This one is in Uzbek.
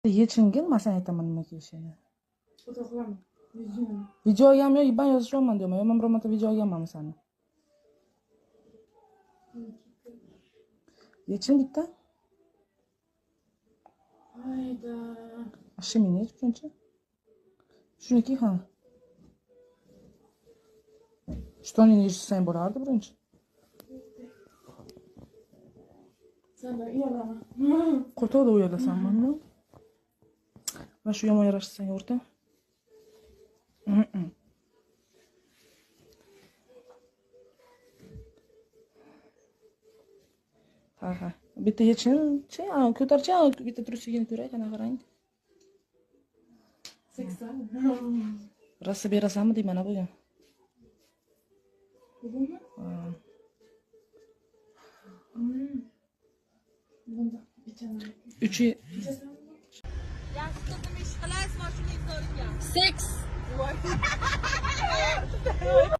Yechingin, men sana aytaman nima kiyishini. Foto qilaman. Videoni. Videoga ham yo'q, ben yozishaman deyman. Men biror marta videoga ham seni. Yechin bitta. Hayda. Shimini shuncha. Shuniki ham. Shtonini yechsang bo'lardi birinchi. Sendan uyalaman. Qo'rquvda uyalasanmi? Men shu yomon yarashsang o'rta. Ha. Bitta yechin, ko'tarchi, bitta trusigini ko'ray, qanaqa qarang. 80. Rosa berasanmi deyman bugun. Bugunmi? Bunda ichaman. 3 Yaxshi qizim ish qilasizmi shuning so'riga? Seks.